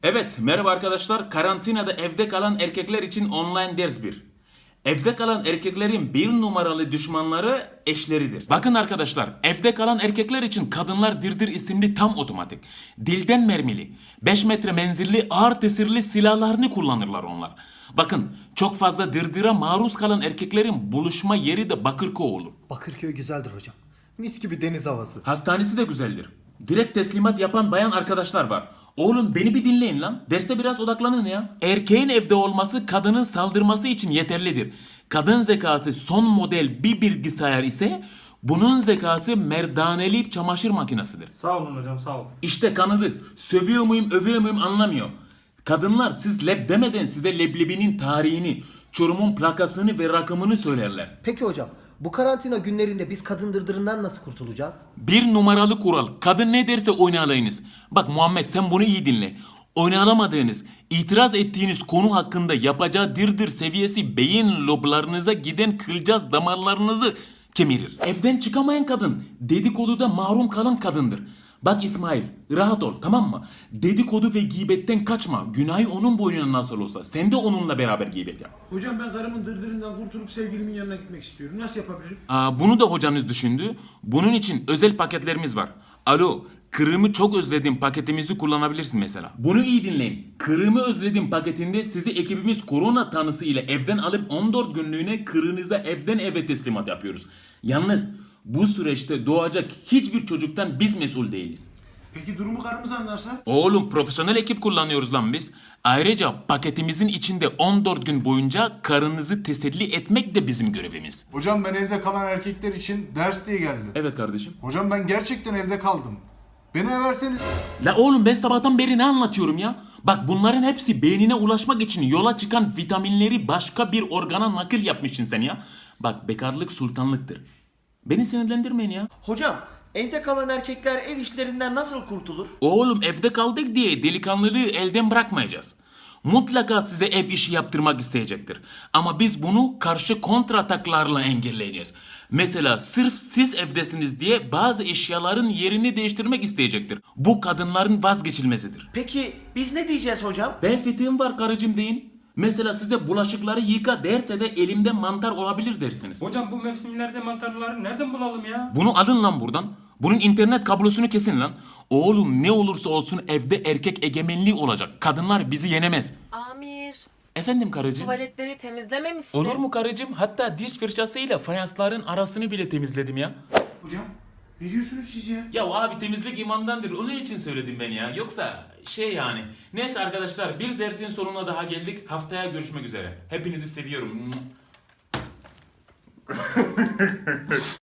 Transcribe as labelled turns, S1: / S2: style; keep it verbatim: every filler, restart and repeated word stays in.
S1: Evet, merhaba arkadaşlar. Karantinada evde kalan erkekler için online ders bir. Evde kalan erkeklerin bir numaralı düşmanları eşleridir. Bakın arkadaşlar, evde kalan erkekler için Kadınlar Dirdir isimli tam otomatik, dilden mermili, beş metre menzilli ağır tesirli silahlarını kullanırlar onlar. Bakın, çok fazla dırdıra maruz kalan erkeklerin buluşma yeri de Bakırköy olur.
S2: Bakırköy güzeldir hocam. Mis gibi deniz havası.
S1: Hastanesi de güzeldir. Direkt teslimat yapan bayan arkadaşlar var. Oğlum beni bir dinleyin lan. Derse biraz odaklanın ya. Erkeğin evde olması kadının saldırması için yeterlidir. Kadın zekası son model bir bilgisayar ise bunun zekası merdaneli çamaşır makinesidir.
S3: Sağ olun hocam, sağ olun.
S1: İşte kanadı. Sövüyor muyum övüyor muyum anlamıyor. Kadınlar siz leb demeden size leblebinin tarihini, Çorum'un plakasını ve rakamını söylerler.
S2: Peki hocam, bu karantina günlerinde biz kadın dırdırından nasıl kurtulacağız?
S1: Bir numaralı kural. Kadın ne derse oynayalayınız. Bak Muhammed sen bunu iyi dinle. Oynalamadığınız, itiraz ettiğiniz konu hakkında yapacağı dirdir seviyesi beyin loblarınıza giden kılcaz damarlarınızı kemirir. Evden çıkamayan kadın dedikoduda mahrum kalan kadındır. Bak İsmail rahat ol tamam mı? Dedikodu ve gıybetten kaçma. Günahı onun boynuna nasıl olsa. Sen de onunla beraber gıybet yap.
S4: Hocam ben karımın dırdırından kurtulup sevgilimin yanına gitmek istiyorum. Nasıl yapabilirim?
S1: Aa, bunu da hocanız düşündü. Bunun için özel paketlerimiz var. Alo, kırımı çok özledim paketimizi kullanabilirsin mesela. Bunu iyi dinleyin. Kırımı özledim paketinde sizi ekibimiz korona tanısı ile evden alıp on dört günlüğüne kırınıza evden eve teslimat yapıyoruz. Yalnız bu süreçte doğacak hiçbir çocuktan biz mesul değiliz.
S4: Peki durumu karımız anlarsa?
S1: Oğlum profesyonel ekip kullanıyoruz lan biz. Ayrıca paketimizin içinde on dört gün boyunca karınızı teselli etmek de bizim görevimiz.
S5: Hocam ben evde kalan erkekler için ders diye geldim.
S1: Evet kardeşim.
S5: Hocam ben gerçekten evde kaldım. Beni everseniz.
S1: La oğlum ben sabahtan beri ne anlatıyorum ya? Bak bunların hepsi beynine ulaşmak için yola çıkan vitaminleri başka bir organa nakil yapmışsın sen ya. Bak bekarlık sultanlıktır. Beni sinirlendirmeyin ya.
S6: Hocam, evde kalan erkekler ev işlerinden nasıl kurtulur?
S1: Oğlum evde kaldık diye delikanlılığı elden bırakmayacağız. Mutlaka size ev işi yaptırmak isteyecektir. Ama biz bunu karşı kontrataklarla engelleyeceğiz. Mesela sırf siz evdesiniz diye bazı eşyaların yerini değiştirmek isteyecektir. Bu kadınların vazgeçilmezidir.
S6: Peki biz ne diyeceğiz hocam?
S1: Ben fitiğim var karıcığım deyin. Mesela size bulaşıkları yıka derse de elimde mantar olabilir dersiniz.
S3: Hocam bu mevsimlerde mantarları nereden bulalım ya?
S1: Bunu alın lan buradan. Bunun internet kablosunu kesin lan. Oğlum ne olursa olsun evde erkek egemenliği olacak. Kadınlar bizi yenemez.
S7: Amir,
S1: Efendim karıcığım?
S7: tuvaletleri temizlememişsin.
S1: Olur mu karıcığım? Hatta diş fırçasıyla fayansların arasını bile temizledim ya.
S4: Hocam ne diyorsunuz siz ya?
S1: Ya abi temizlik imandandır. Onun için söyledim ben ya. Yoksa şey yani. Neyse arkadaşlar bir dersin sonuna daha geldik. Haftaya görüşmek üzere. Hepinizi seviyorum.